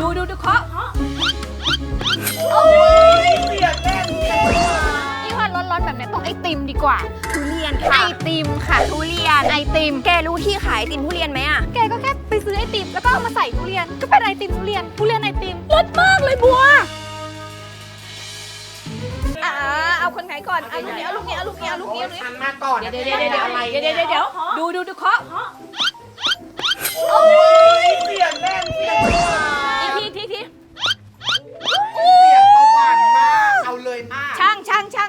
ดูเคาะโอ้ยเสียงแน่นนี่ว่าร้อนๆแบบนี้ต้องไอติมดีกว่าทุเรียนไอค่ะติมค่ะทุเรียนไอติมแกรู้ที่ขายไอติมทุเรียนไหมอะแกก็แค่ไปซื้อไอติมแล้วก็เอามาใส่ทุเรียนก็เป็นไอติมทุเรียนไอติมรสมากเลยบัวเอาคนไหนก่อนเอาลูกนี้ทันมาก่อนเดี๋ยวดูเคาะโอ้ยเสียงแน่นเสียงหวานทีเสียงประหวานมากเอาเลยมากช่าง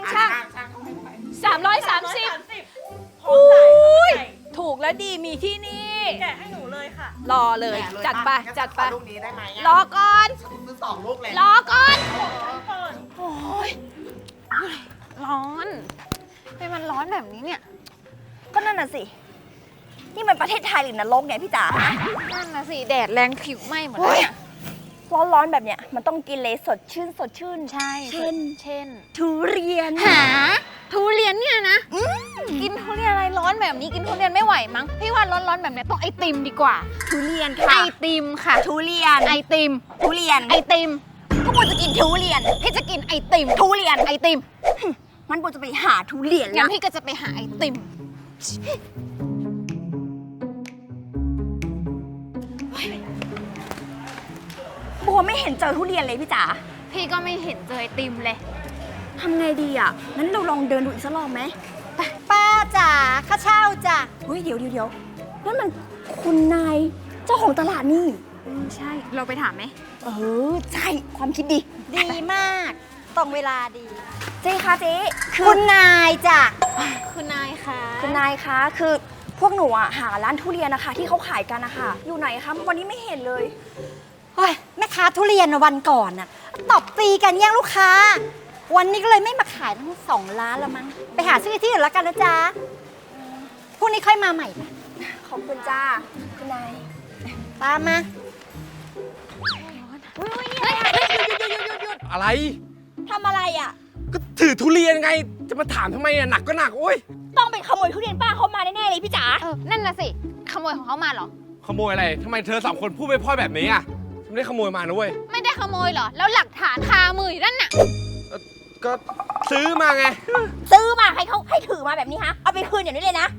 330อุ้ยถูกแล้วดีมีที่นี่แกะให้หนูเลยค่ะรอเลยจัดไปลูกนี้ได้ไหมรอก่อนซื้อ2 ลูกเลยรอก่อนโอ้ยร้อนเป็นมันร้อนแบบนี้เนี่ยก็นั่นน่ะสิ นี่มันประเทศไทยหรือนรกเนี่ยพี่จ๋านั่นนะสิแดดแรงผิวไหม้หมดเลยอะร้อนๆแบบเนี้ยมันต้องกินเลยสดชื่นใช่เช่นทุเรียนหาทุเรียนเนี่ยนะกินทุเรียนอะไรร้อนแบบนี้กินทุเรียนไม่ไหวมั้งพี่ว่าร้อนๆแบบนี้ต้องไอติมดีกว่าทุเรียนไอค่ะติมค่ะทุเรียนไอติมทุเรียนไอติมก็ควรจะกินทุเรียนพี่จะกินไอติมทุเรียนไอติมมันควรจะไปหาทุเรียนงั้นะนพี่ก็จะไปหาไอติมบัวไม่เห็นเจอทุเรียนเลยพี่จ๋าพี่ก็ไม่เห็นเจอไอติมเลยทำไงดีอ่ะงั้นเราลองเดินดูอีกสักรอบไหมป้าจ๋าข้าเช่าจ้ะเฮ้ยเดี๋ยวนั่นมันคุณนายเจ้าของตลาดนี่ใช่เราไปถามไหมใช่ความคิดดีดีมากตรงเวลาดีเจ๊คะเจ๊คือคุณนายจ้ะคุณนายคะคุณนายคะคือพวกหนูอะหาร้านทุเรียนนะคะที่เขาขายกันนะคะอยู่ไหนคะวันนี้ไม่เห็นเลยเฮ้ยแม่ค้าทุเรียนวันก่อนน่ะตบตีกันแย่งลูกค้า วันนี้ก็เลยไม่มาขายทั้ง2 ร้านแล้วมั้งไปหาซื้อที่อื่นแล้วกันนะจ๊ะพรุ่งนี้ค่อยมาใหม่นะขอบคุณจ้าคุณนายตามมาอะไรทำอะไรอ่ะก็ถือทุเรียนไง จะมาถามทำไมอ่ะหนักก็หนักโอ้ยต้องเป็นขโมยทุเรียนป้าเขามาแน่ๆเลยพี่จ๋านั่นน่ะสิขโมยของเขามาเหรอขโมยอะไรทำไมเธอ2 คนพูดไปพ่อยแบบนี้อ่ะฉันไม่ได้ขโมยมานะเว้ยไม่ได้ขโมยเหรอแล้วหลักฐานคามืออยู่นั่นน่ะก็ซื้อมาไงซื้อมาให้เขาให้ถือมาแบบนี้ฮะเอาไปคืนอย่างนี้เลยนะ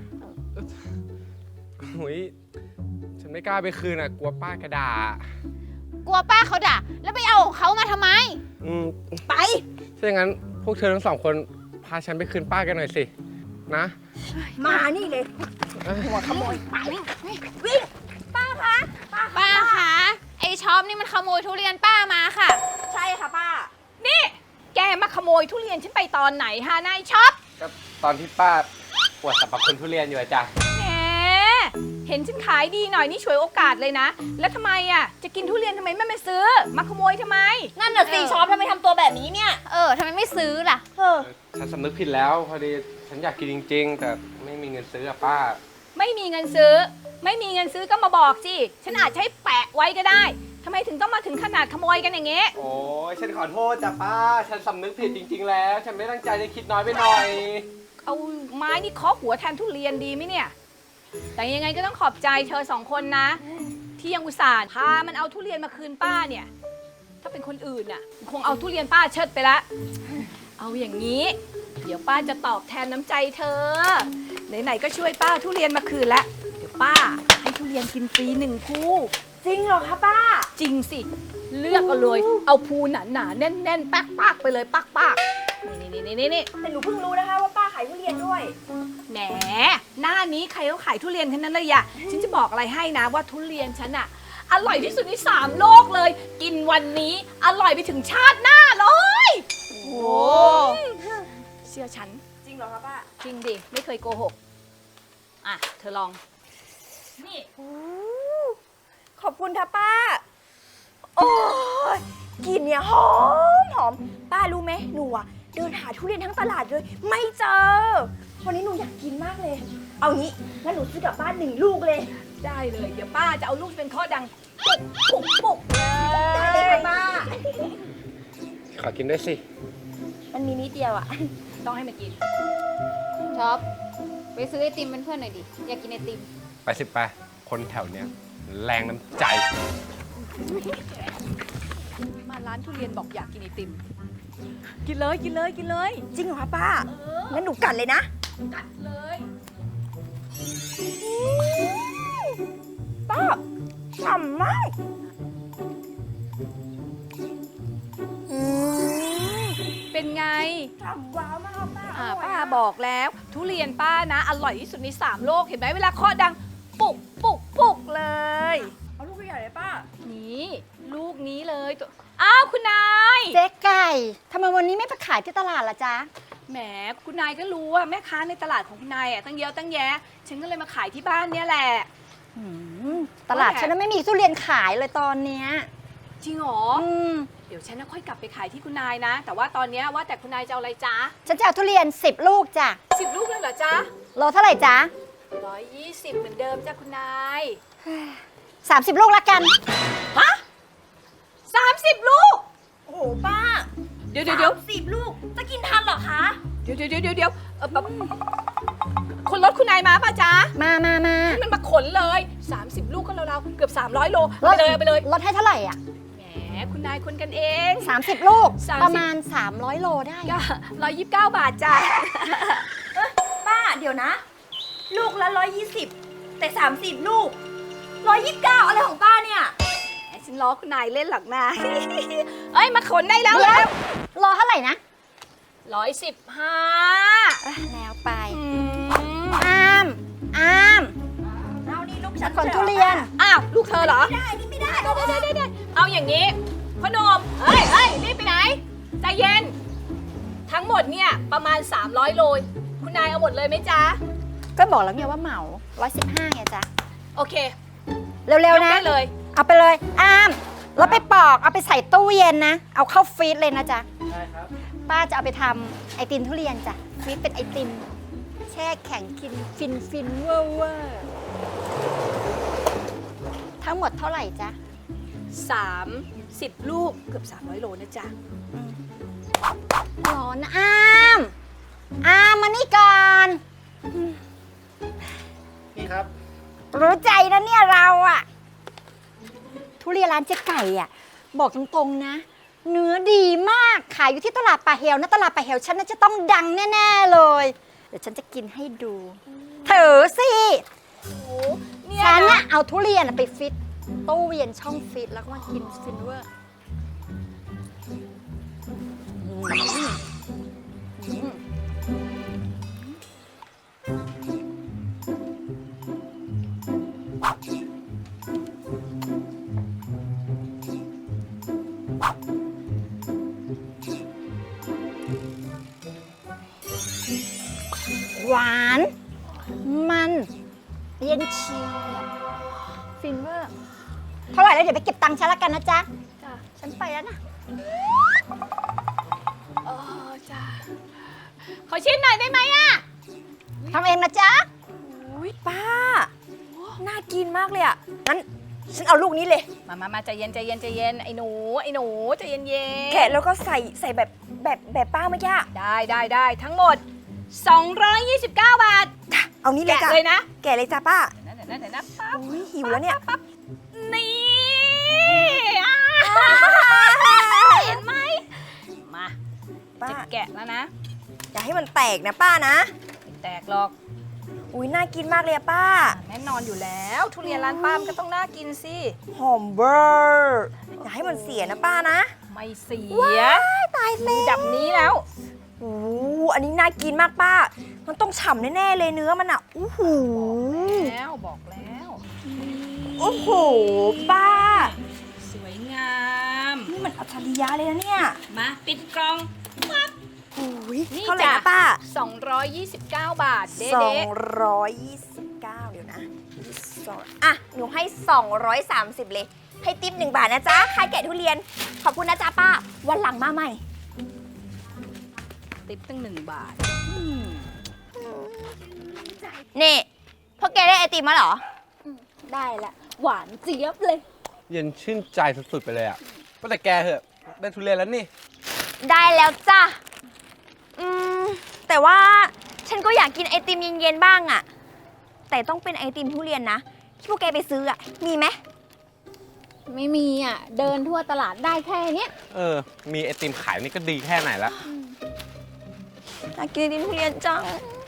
หุยฉันไม่กล้าไปคืนอ่ะกลัวป้ากระดากลัวป้าเขาด่าแล้วไปเอาของเขามาทำไมไปถ้าอย่างนั้นพวกเธอทั้ง2 คนพาฉันไปคืนป้ากันหน่อยสินะมานี่เลยหัวขโมยไปวิ่งป้าคะป้าคะไอช็อปนี่มันขโมยทุเรียนป้ามาค่ะใช่ค่ะป้านี่แกมาขโมยทุเรียนฉันไปตอนไหนฮะนายช็อปก็ตอนที่ป้าปวดสรรพคุณทุเรียนอยู่อะจ้ะแหมเห็นฉันขายดีหน่อยนี่ฉวยโอกาสเลยนะ แล้วทำไมอ่ะจะกินทุเรียนทำไมไม่มาซื้อ มาขโมยทำไมนั่นน่ะสิช็อปทำไมทำตัวแบบนี้เนี่ยทำไมไม่ซื้อล่ะฉันสำนึกผิดแล้วพอดีฉันอยากกินจริง ๆ แต่ไม่มีเงินซื้ออะป้าไม่มีเงินซื้อ ไม่มีเงินซื้อก็มาบอกสิฉันอาจใช้แปะไว้ก็ได้ทำไมถึงต้องมาถึงขนาดขโมยกันอย่างเงี้ยโอ้ยฉันขอโทษจ้ะป้า ฉันสำนึกผิดจริง ๆ แล้ว ฉันไม่ตั้งใจจะคิดน้อยไปหน่อยเอาไม้นี่เคาะหัวแทนทุเรียนดีไหมเนี่ย แต่ยังไงก็ต้องขอบใจเธอ2 คนนะ ที่ยังอุตส่าห์พามันเอาทุเรียนมาคืนป้าเนี่ย ถ้าเป็นคนอื่นน่ะคงเอาทุเรียนป้าเชิดไปละ เอาอย่างนี้ เดี๋ยวป้าจะตอบแทนน้ำใจเธอ ไหนๆก็ช่วยป้าทุเรียนมาคืนแล้ว เดี๋ยวป้าให้ทุเรียนกินฟรี1 ภูจริงเหรอคะป้าจริงสิ เลือกเอาเลย เอาภูหนาๆแน่นๆปักๆไปเลยปักๆนี่แต่หนูเพิ่งรู้นะคะว่าป้าขายทุเรียนด้วยแหมหน้านี้ใครเขาขายทุเรียนทั้งนั้นเลยอะฉันจะบอกอะไรให้นะว่าทุเรียนฉันอะอร่อยที่สุดใน3 โลกเลย กินวันนี้อร่อยไปถึงชาติหน้าเลยโอ้เชื่อฉันจริงเหรอคะป้าจริงดิไม่เคยโกหกอ่ะเธอลองนี่ขอบคุณค่ะป้า โอ้ยกลิ่นเนี่ยหอมป้ารู้ไหมหนูอะเดินหาทุเรียนทั้งตลาดเลย ไม่เจอ วันนี้หนูอยากกินมากเลย เอางี้งั้นหนูซื้อกลับบ้าน1 ลูกเลยได้เลยเดี๋ยวป้าจะเอาลูกเป็นข้อดังปุกได้เลยค่ะป้าขอกินด้วยสิมันมีนิดเดียวอะต้องให้มันกินช็อปไปซื้อไอติมเป็นเพื่อนหน่อยดิ อยากกินไอติมไปสิไปคนแถวเนี้ยแรงน้ำใจานทุเรียนบอกอยากกินไอติม กินเลยกินเลยกินเลยจริงเหรอคะป้างั้นหนูกัดเลยนะกัดเลยป้าฉ่ำมากอืมเป็นไงฉ่ำว้าวมากป้าป้าบอกแล้วทุเรียนป้านะ อร่อยที่สุดใน3โลกเห็นไหมเวลาเคาะดังปุกปุกปุกเลยเอาลูกใหญ่เลยป้านี่ลูกนี้เลยตัวอ้าวคุณนายเจ๊ไก่ทำไมวันนี้ไม่ไปขายที่ตลาดล่ะจ๊ะแหมคุณนายก็รู้ว่าแม่ค้าในตลาดของคุณนายตั้งเยอะตั้งแยะ ฉันก็เลยมาขายที่บ้านเนี่ยแหละอืมตลาดฉันนะไม่มีทุเรียนขายเลยตอนเนี้ยจริงเหรออืมเดี๋ยวฉันน่ะค่อยกลับไปขายที่คุณนายนะ แต่ว่าตอนเนี้ยว่าแต่คุณนายจะเอาอะไรจ๊ะฉันจะเอาทุเรียน10 ลูกจ้ะ 10 ลูกเลยเหรอจ๊ะโลเท่าไหร่จ๊ะ 120เหมือนเดิมจ้ะคุณนาย 30 ลูกละกันฮะ30 ลูกโอ้โหป้าเดี๋ยว 10 ลูก จะกินทันเหรอคะเดี๋ยวคนรถคุณนายมาป่ะจ๊ะมาให้มันมาขนเลย 30 ลูกก็เราๆเกือบ300 โลเอาไปเลยลดให้เท่าไหร่อ่ะแหมคุณนายคนกันเอง 30 ลูก 30 ประมาณ 300 โลได้ก็129 บาทจ้ะป้าเดี๋ยวนะ ลูกละ 120 แต่ 30 ลูก 129 อะไรของป้าเนี่ยฉันล้อคุณนายเล่นหรอกนะ เอ้ยมาขนได้แล้วเดี๋ยวโลเท่าไหร่นะ 115 แล้วไปอืมอามอามเอานี่ลูกฉันขนทุเรียนอ้าวลูกเธอเหรอไม่ได้ นี่ไม่ได้ได้เอาอย่างนี้พ่อหนมเฮ้ยรีบไปไหน ใจเย็น ทั้งหมดเนี่ยประมาณ 300 โล คุณนายเอาหมดเลยไหมจ๊ะก็บอกแล้วไงว่าเหมา 115ไงจ๊ะโอเคเร็วยกๆนะ Dạ. ได้เลยเอาไปเลยอามแล้วไปปอกเอาไปใส่ตู้เย็นนะ เอาเข้าฟรีซเลยนะจ๊ะได้ครับป้าจะเอาไปทำไอติมทุเรียนจ้ะฟรีซเป็นไอติม แช่แข็งกินฟินเวอร์ทั้งหมดเท่าไหร่จ๊ะ 30 ลูกเกือบ300 โลนะจ๊ะร้อนนะอามมานี่ก่อนนี่ครับรู้ใจนะเนี่ยเราอะทุเรียนร้านเจ๊ไก่อะบอกตรงๆนะ เนื้อดีมากขายอยู่ที่ตลาดป่าเฮลนะตลาดป่าเฮลฉันน่าจะต้องดังแน่ๆเลย เดี๋ยวฉันจะกินให้ดูเถอะสิเนี่ยฉันนะน่ะเอาทุเรียนน่ะไปฟิตตู้เย็นช่องฟิตแล้วก็มากินฟินเวอร์หวาน มันเย็นเชียวฟินเวอร์เท่าไหร่แล้วเดี๋ยวไปเก็บตังค์ฉันละกันนะจ๊ะจ้ะฉันไปแล้วนะจ้ะขอชิมหน่อยได้ไหมอะทำเองนะจ๊ะอุ้ยป้า น่ากินมากเลยอ่ะ งั้น ฉันเอาลูกนี้เลยมาใจเย็นไอ้หนูใจเย็นแกะแล้วก็ใส่แบบป้าเมื่อกี้อะได้ทั้งหมด 229 บาทเอานี้เลยแกะจ้ะเลยนะแกะเลยจ้ะป้าเดี๋ยวนะปั๊บอุ้ยหิวแล้วเนี่ยนี่เห็นไหมมาป้าจะแกะแล้วนะอย่าให้มันแตกนะป้านะไม่แตกหรอกอุ้ยน่ากินมากเลยอะป้าแน่นอนอยู่แล้ว ทุเรียนร้านป้ามนก็ต้องน่ากินสิหอมเบอร์อย่าให้มันเสียนะป้านะไม่เสียตายแล้วดับนี้แล้วโอ้อันนี้น่ากินมากป้า มันต้องฉ่ำแน่ๆเลยเนื้อมันอ่ะอู้หูบอกแล้วโอ้โหป้าสวยงามนี่มันอัจฉริยะเลยนะเนี่ยมาปิดกล่องปั๊บอุ้ยนี่เท่าไหร่จ้ะนะป้า 229 บาทเด้ 229 เดี๋ยวนะ22อ่ะ หนูให้ 230 เลย ให้ติ๊บ1 บาทนะจ๊ะใครแกะทุเรียน ขอบคุณนะจ๊ะป้า วันหลังมาใหม่ติปตั้ง1 บาทนี่พวกแกได้ไอติมมาเหรอได้ละหวานเจี๊ยบเลยเย็นชื่นใจสุดๆไปเลยอ่ะก็แต่แกเหอะ ได้ทุเรียนแล้วนี่ได้แล้วจ้ะ แต่ว่าฉันก็อยากกินไอติมเย็นๆบ้างอะแต่ต้องเป็นไอติมทุเรียนนะ ที่พวกแกไปซื้ออะมีไหมไม่มีอ่ะ เดินทั่วตลาดได้แค่เนี้ยมีไอติมขายนี่ก็ดีแค่ไหนละอยากกินไอติมทุเรียนจัง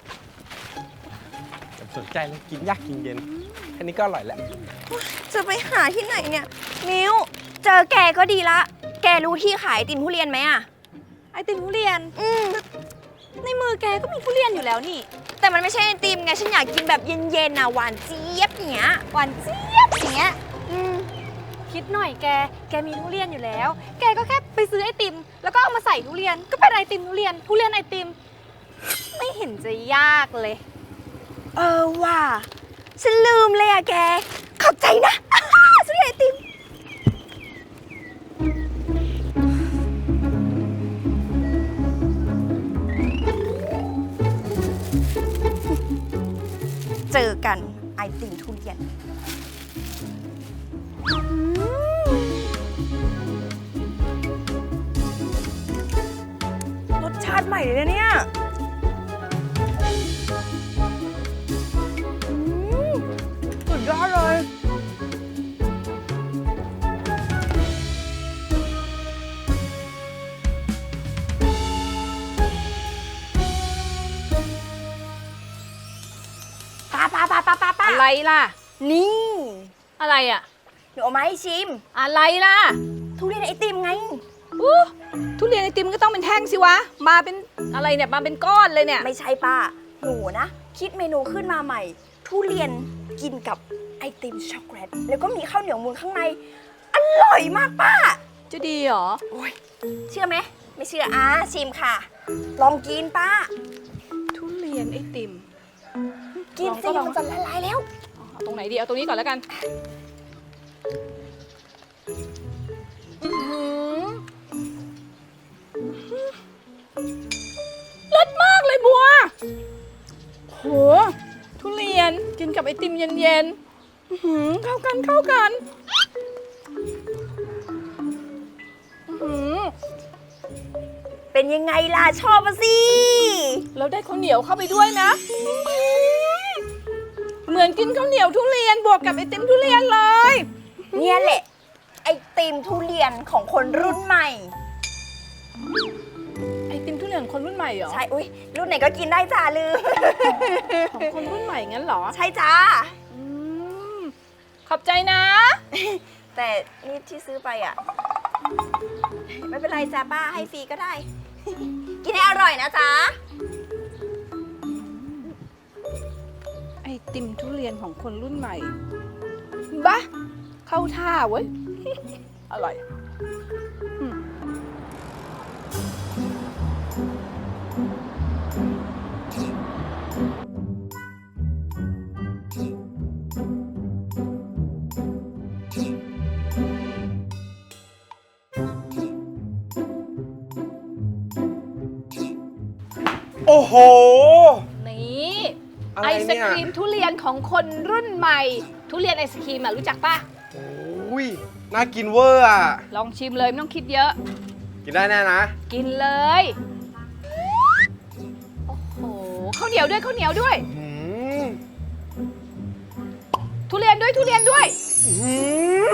อย่าสนใจเลยกินยากกินเย็นแค่นี้ก็อร่อยแล้วจะไปหาที่ไหนเนี่ย มิวเจอแกก็ดีละ แกรู้ที่ขายไอติมทุเรียนไหมอะไอติมทุเรียน ในมือแกก็มีทุเรียนอยู่แล้วนี่แต่มันไม่ใช่ไอติมไง ฉันอยากกินแบบเย็นๆน่ะหวานเจี๊ยบอย่างเงี้ยหวานเจี๊ยบอย่างเงี้ย คิดหน่อยแกมีทุเรียนอยู่แล้ว แกก็แค่ไปซื้อไอติม แล้วก็เอามาใส่ทุเรียน ก็เป็นไอติมทุเรียนไอติม ไม่เห็นจะยากเลยว่ะ ฉันลืมเลยอะแก ขอบใจนะ ซื้อไอติม เจอกันไอติมทุเรียนรสชาติใหม่เลยนะเนี่ยสุดยอดเลย ป้าอะไรล่ะนี่อะไรอ่ะหนูเอามาให้ชิมอะไรล่ะทุเรียนไอติมไงอู้ทุเรียนไอติมก็ต้องเป็นแท่งสิวะ มาเป็นอะไรเนี่ย มาเป็นก้อนเลยเนี่ยไม่ใช่ป้า หนูนะ คิดเมนูขึ้นมาใหม่ ทุเรียนกินกับไอติมช็อกโกแลต แล้วก็มีข้าวเหนียวมูนข้างใน อร่อยมากป้าจะดีเหรอโอ้ย เชื่อไหม ไม่เชื่อชิมค่ะ ลองกินป้าทุเรียนไอติมกินสิลองมันจะละลายแล้วเอาตรงไหนดี เอาตรงนี้ก่อนแล้วกันเลิศมากเลยบัว โห ทุเรียนกินกับไอติมเย็นๆเข้ากันเป็นยังไงล่ะ ชอบมาสิแล้วได้ข้าวเหนียวเข้าไปด้วยนะ เหมือนกินข้าวเหนียวทุเรียนบวกกับไอติมทุเรียนเลยเนี่ยแหละ ไอติมทุเรียนของคนรุ่นใหม่ไอติมทุเรียนคนรุ่นใหม่เหรอใช่ อุ้ยรุ่นไหนก็กินได้จ้าลืมของคนรุ่นใหม่งั้นเหรอใช่จ้าอืมขอบใจนะแต่นี่ที่ซื้อไปอ่ะ ไม่เป็นไรจ้าป้าให้ฟรีก็ได้ กินให้อร่อยนะจ๊ะไอติมทุเรียนของคนรุ่นใหม่บ้าเข้าท่าเว้ย อร่อยอืมโอ้โหนี่อะไรไอศเนี่ยครีมทุเรียนของคนรุ่นใหม่ ทุเรียนไอศครีมอ่ะรู้จักปะโอ้ยน่ากินเวอร์อ่ะลองชิมเลยไม่ต้องคิดเยอะกินได้แน่นะกินเลย โอ้โหข้าวเหนียวด้วยอืมทุเรียนด้วยอืม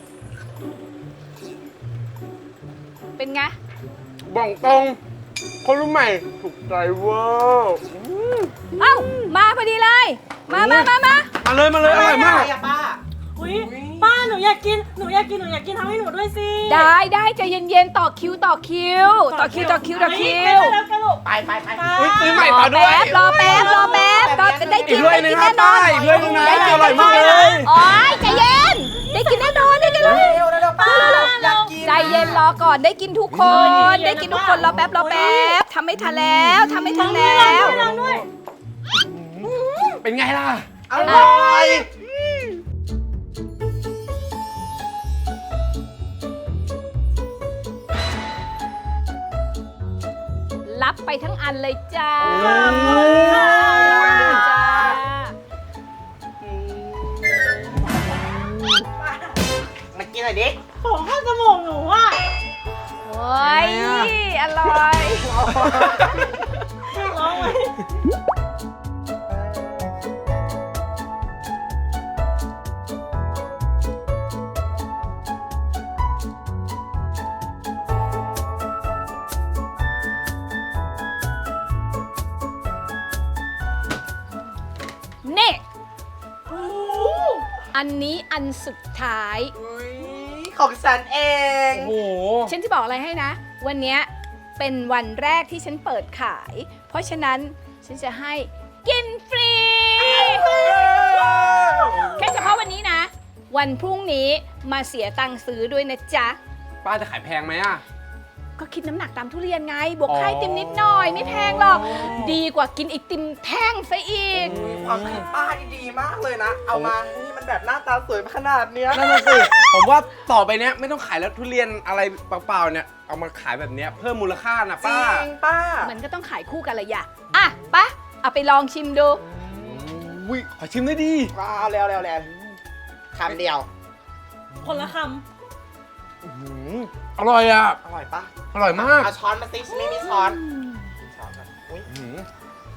เป็นไงบอกตรง คนรุ่นใหม่ถูกใจเวอร์อืมเอ้า มาพอดีเลย มามาเลยอร่อยมากอุ้ยป้าหนูอยากกินทำให้หนูด้วยสิได้ใจเย็นๆ ต่อคิว ต่อคิวไม่ได้แล้วกันลูกไปอุ๊ยซื้อใหม่ต่อด้วยรอแป๊บรอได้กินอีกถ้วยหนึ่งครับแน่นอนป้าอีกถ้วยหนึ่งนะได้กินอร่อยมากเลยโอ๊ยใจเย็น ได้กินแน่นอนได้กินเลยเร็วป้าอยากกินใจเย็นรอก่อนได้กินทุกคนได้กินทุกคนรอแป๊บทำไม่ทันแล้วเป็นไงล่ะอร่อยรับไปทั้งอันเลยจ้ามากินหน่อยดิของข้าวจมูกหนูอ่ะโอ้ยอร่อยร้องไหมอันนี้อันสุดท้ายอุ๊ยของฉันเองโอ้โหฉันจะบอกอะไรให้นะ วันเนี้ยเป็นวันแรกที่ฉันเปิดขาย เพราะฉะนั้นฉันจะให้กินฟรี แค่เฉพาะวันนี้นะ วันพรุ่งนี้มาเสียตังค์ซื้อด้วยนะจ๊ะป้าจะขายแพงไหมอ่ะก็คิดน้ำหนักตามทุเรียนไง บวกค่าไอติมนิดหน่อย ไม่แพงหรอก ดีกว่ากินไอติมแท่งซะอีกความคิดป้านี่ดีมากเลยนะ เอามา นี่มันแบบหน้าตาสวยขนาดเนี้ยนั่นน่ะสิ ผมว่าต่อไปเนี้ยไม่ต้องขายแล้วทุเรียนอะไรเปล่าๆเนี่ย เอามาขายแบบเนี้ยเพิ่มมูลค่านะจริป้างป้ามันก็ต้องขายคู่กันละอย่าอ่ะปะเอาไปลองชิมดูอุ้ยขอชิมได้ดีว้าวแล้วคำเดียวคนละคอร่อยอ่ะอร่อยปะอร่อยมากเอาช้อนมาสิฉันไม่มีช้อนช้อนมาอุ้ยอื้อ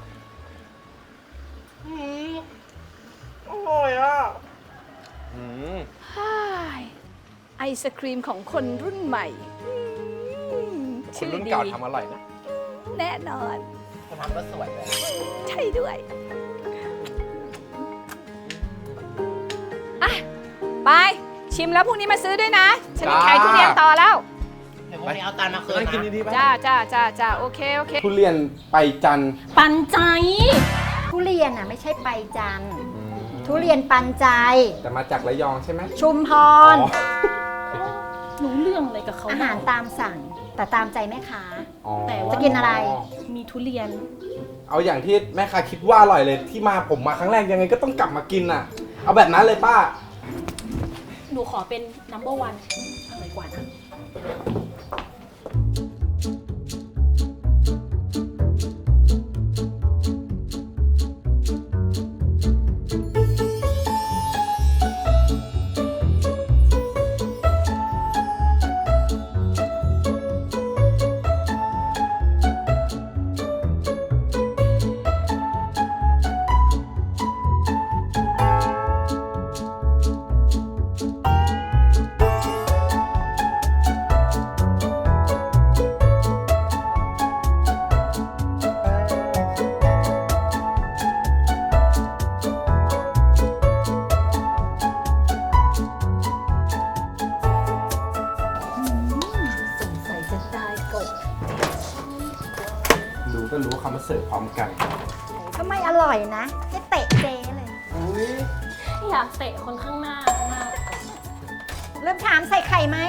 อร่อยอ่ะหือไอศครีมของคนรุ่นใหม่คนรุ่นเก่าทำอร่อยนะแน่นอนคนทำก็สวยเลยใช่ด้วยอ่ะไปชิมแล้วพรุ่งนี้มาซื้อด้วยนะ ฉันจะขายทุเรียนต่อแล้วเดี๋ยวพรุ่งนี้เอาจานมาคืนนั่งกินนะดีๆป่ะจ้าโอเคทุเรียนไปจันทร์ำปันใจทุเรียนอ่ะไม่ใช่ไปจันทร์ทุเรียนปันใจแต่มาจากระยองใช่ไหมชุมพรรู้เรื่องอะไรกับเขาอาหารตามสั่ง แต่ตามใจแม่ค้าอ๋อจะกินอะไรมีทุเรียนเอาอย่างที่แม่ค้าคิดว่าอร่อยเลยที่มาผมมาครั้งแรกยังไงก็ต้องกลับมากินอ่ะ เอาแบบนั้นเลยป้าหนูขอเป็น number one อร่อยกว่านะรู้ก็รู้ว่าเขามาเสิร์ฟพร้อมกันก็ไม่อร่อยนะให้เตะเจ๊เลยอยากเตะคนข้างหน้ามากเริ่มถามใส่ไข่ไหม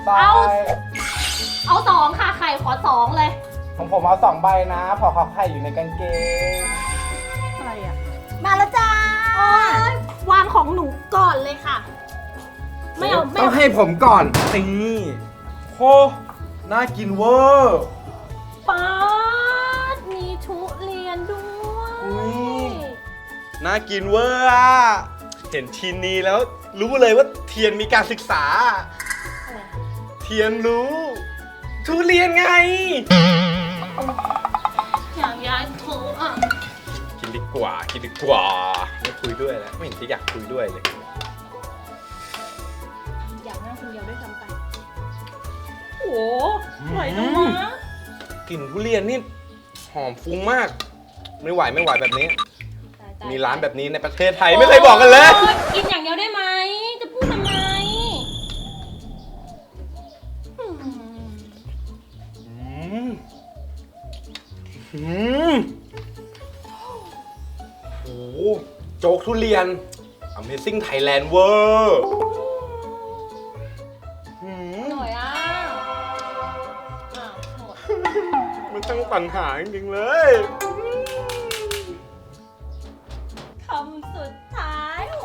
เอา2ค่ะไข่ขอ2เลยของผมเอา2 ใบนะพอเขาไข่อยู่ในกางเกงอะไรอ่ะมาแล้วจ้าวางของหนูก่อนเลยค่ะ ไม่เอาต้องให้ผมก่อนนี่โหน่ากินเวอร์ป๊าดมีทุเรียนด้วยน่ากินเวอร์อะเห็นทีนี้แล้วรู้เลยว่าเทียนมีการศึกษา เทียนรู้ ทุเรียนไงอยากย้ายโถอ่ะกินดีกว่าไม่คุยด้วยแล้วไม่เห็นจะอยากคุยด้วยเลยอยากนั่งคนเดียวด้วยซ้ำไป โอ้อร่อยจังวะกลิ่นทุเรียนนี่หอมฟุ้งมาก ไม่ไหวแบบนี้ มีร้านแบบนี้ในประเทศไทยไม่เคยบอกกันเลยโอ๊กินอย่างเดียวได้ไหม จะพูดทำไมโอ้โหโจ๊กทุเรียน Amazing Thailand เวอร์อร่อยอ่ะอ้าวหมดมันตั้งปัญหาจริงๆเลยคำสุดท้ายโห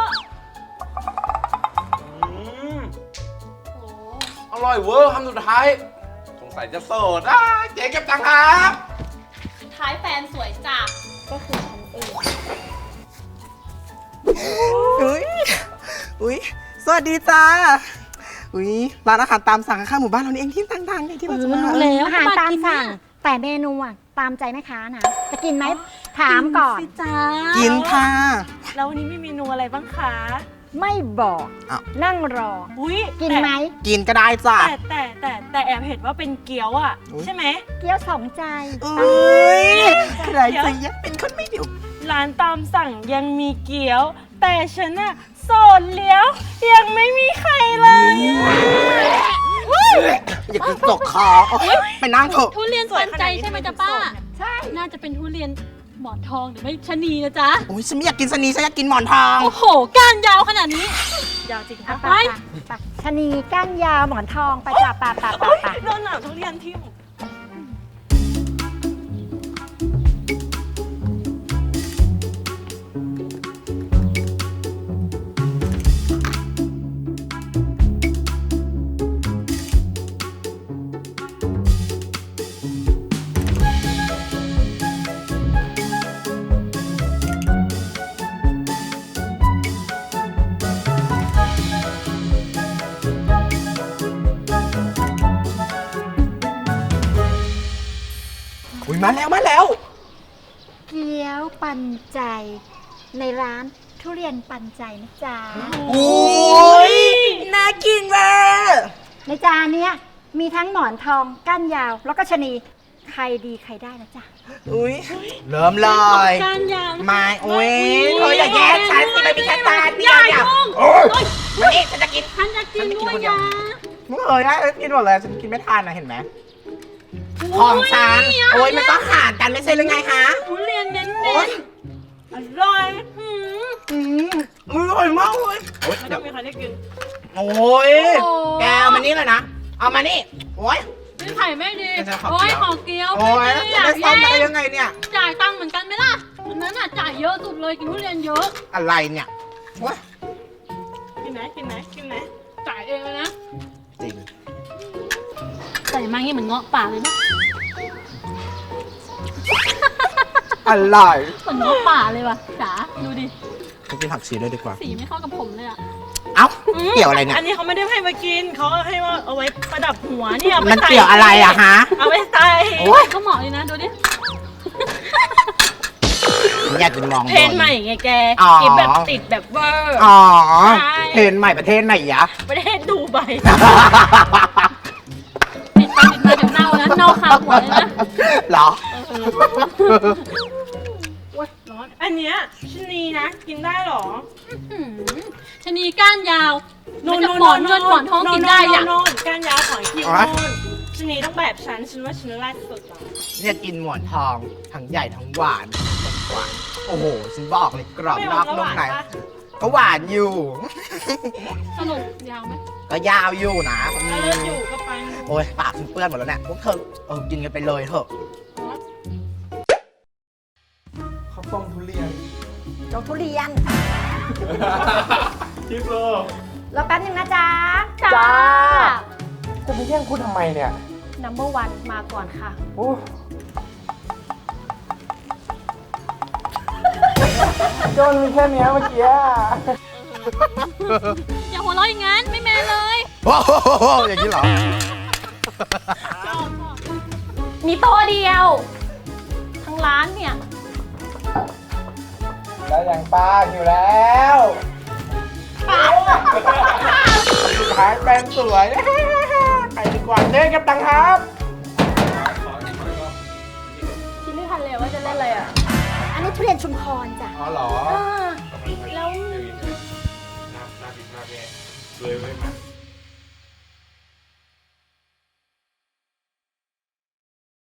อร่อยเวอร์คำสุดท้าย สงสัยจะโสดเจ๊เก็บตังค์ครับท้ายแฟนสวยจัดก็คือฉันเองอุ้ยสวัสดีจ้า อุ้ยร้านอาหารตามสั่งข้างหมู่บ้านเรานี่เองที่ดังๆที่เราจะมาอาหารตามสั่ง แต่เมนูอ่ะตามใจแม่ค้านะ จะกินไหมถามก่อนสิจ้ากินค่ะแล้ววันนี้มีเมนูอะไรบ้างคะไม่บอกอ้าวนั่งรออุ้ยกินไหมกินก็ได้จ้ะแต่แอบเห็นว่าเป็นเกี๊ยวอ่ะอุ๊ยใช่ไหมเกี๊ยวสองใจอุ้ยใครจะยักเป็นคนไม่เดียวร้านตามสั่งยังมีเกี๊ยว แต่ฉันน่ะโสดเลี้ยว ยังไม่มีใครเลยอย่ากินตกคอไปนั่งเถอะทุเรียนปันใจใช่ไหมจ๊ะป้าใช่น่าจะเป็นทุเรียนหมอนทองหรือไม่ชะนีนะจ๊ะโอ้ยฉันไม่อยากกินสนีฉันอยากกินหมอนทองโอ้โห ก้านยาวขนาดนี้ยาวจริงอ่ะปะไปชะนีก้านยาวหมอนทองไปจ้าป่าโดนหนาวทุเรียนทิ่มอุ้ยมาแล้วมาแล้วเกี๊ยวปันใจ ในร้านทุเรียนปันใจนะจ๊ะอุ้ยน่ากินเว้ยในจานเนี้ยมีทั้งหมอนทองก้านยาว แล้วก็ชะนีใครดีใครได้นะจ๊ะอุ้ยเริ่มเลยก้านยาวนะคะมาอุ้ยเธออย่าแย่งฉันสิมันมีแค่ตาเดียวเนี่ยโอ้ยมานี่ฉันจะกินฉันจะกินด้วยนะมึงเอ๋ยนะกินหมดเลยฉันกินไม่ทานนะเห็นไหมของฉันโอ้ยมันต้องหารกันไม่ใช่หรือไงฮะทุเรียนเน้นโอ้ยอร่อยอร่อยมากเลยโอ้ยไม่เดี๋ต้ยอวงมีใครได้กินโอ้ยแกเอามานี่เลยนะเอามานี่โอ้ยไม่ไข่ไม่ดีจะขอโอ้ยเกี๊ยวขอเกี๊ยวโอ้ยไม่จะอยาได้กซ้อมได้แย่งยังไงเนี่ยจ่ายตังค์เหมือนกันไหมล่ะวันนั้นอ่ะจ่ายเยอะสุดเลยกินทุเรียนเยอะอะไรเนี่ยโอ้ยกินไหมกินไหมกินไหมจ่ายเองเลยนะจริงใส่มางี้เหมือนเงาะป่าเลยนะอะไรเหมือนเงาะป่าเลยว่ะจ๋าดูดิไปกินผักชีด้วยดีกว่าสีไม่เข้ากับผมเลยอ่ะเอ้าเกี่ยวอะไรเนี่ยอันนี้เขาไม่ได้ให้มากินเขาให้ว่าเอาไว้ประดับหัวเนี่ยมันเกี่ยวอะไรอะฮะเอาไว้ใส่โอ้ยก็เหมาะเลยนะดูดิอยากจะมองเพลงใหม่ไงแกอ๋อกินแบบติดแบบเวอร์อ๋อใช่เพลงใหม่ประเทศไหนยะประเทศดูใบติดไปติดมาเดี๋ยวเน่านะเน่าคาหัวเลยนะเหรอร้อนอันเนี้ยชะนีนะ กินได้เหรอหืมชะนีก้านยาวมันจะหมอนเงินหมอนทองกินได้อ่ะโน่นก้านยาวของคิวอ๋อโน่นชะนีต้องแบบฉันว่าฉันแรกสุดอ่ะเนี่ยกินหมอนทองทั้งใหญ่ทั้งหวานหวาน โอ้โห ฉันบอกเลยกรอบนอกนุ่มในก็หวานอยู่สรุปยาวไหมก็ยาวอยู่นะแล้วเลิกอยู่ก็ไปโอ้ยปากฉันเปื้อนหมดแล้วเนี่ยพวกเธอกินกันไปเลยเถอะข้าวต้มทุเรียนเจ้าทุเรียนทิปโลรอแป๊บนึงนะจ๊ะจ้า จะไปแย่งคุณทำไมเนี่ย number one มาก่อนค่ะโอ้โดนมีแค่เนี้ยเมื่อกี้อย่าหัวเราะอย่างนั้นไม่แมนเลยโอ้โหอย่างนี้เหรอมีโต๊ะเดียว ทั้งร้านเนี่ยได้อย่างป้าอยู่แล้วสุดท้ายแปลงสวยไปดีกว่าเล่นกับตังครับคิดไม่ทันเลยว่าจะเล่นอะไรอ่ะอันนี้ทุเรียนชุมพรจ้ะอ๋อเหรอแล้วน่ากินมากเลยเลยไว้มา